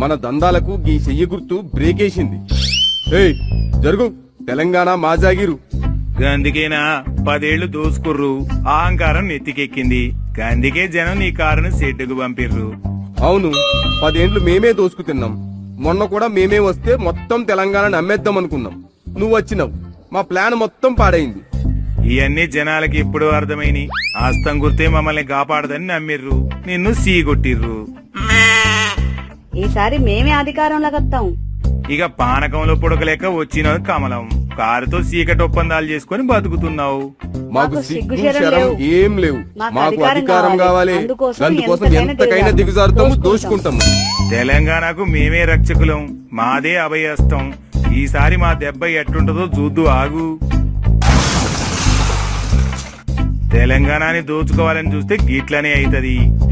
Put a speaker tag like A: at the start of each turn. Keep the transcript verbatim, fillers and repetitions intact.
A: మన దందాలకు గీ చెయ్యి గుర్తు బ్రేకేసింది. ఏయ్ జరుగు, తెలంగాణ మాజాగిరు.
B: గందుకేనా పదేళ్లు దోసుకుర్రు, అహంకారం నెత్తికెక్కింది. గందుకే జనం నీ కారును సెడ్డుకు పంపిర్రు.
A: అవును, పదేండ్లు మేమే దోసుకు తిన్నాం. మొన్న కూడా మేమే వస్తే మొత్తం తెలంగాణని అమ్మేద్దాం అనుకున్నాం. నువ్వు వచ్చినావు, మా ప్లాన్ మొత్తం పాడైంది.
B: ఇవన్నీ జనాలకి ఇప్పుడు అర్థమైని. ఆస్తం గుర్తే మమ్మల్ని కాపాడదని నమ్మిర్రు, నిన్ను సీగొట్టిర్రు.
C: ఈసారి మేమే అధికారంలోకి వస్తాం.
B: ఇక పానకంలో పుడకలేక వచ్చిన కమలం, కారుతో సీకటి ఒప్పందాలు చేసుకుని బతుకుతున్నావు.
A: మాకు
C: మాకు
A: సిగ్గు
C: సిగ్గు శరం
A: శరం
C: లేవు.
A: ఏం లేవు.
C: మాకు
A: మాకు
C: అధికారం
A: అధికారం
C: కావాలి.
A: కావాలి.
C: అందుకోసం
A: అందుకోసం
C: ఎంతకైనా
A: ఎంతకైనా
C: దిగజారుతాం.
A: దిగజారుతాము,
C: దోసుకుంటాం.
A: దోచుకుంటాము.
B: తెలంగాణకు మేమే రక్షకులం, మాదే అభయస్తం. ఈసారి మా దెబ్బ ఎట్టుంటదో చూద్దు, ఆగు. తెలంగాణని దోచుకోవాలని చూస్తే గిట్లనే అయితది.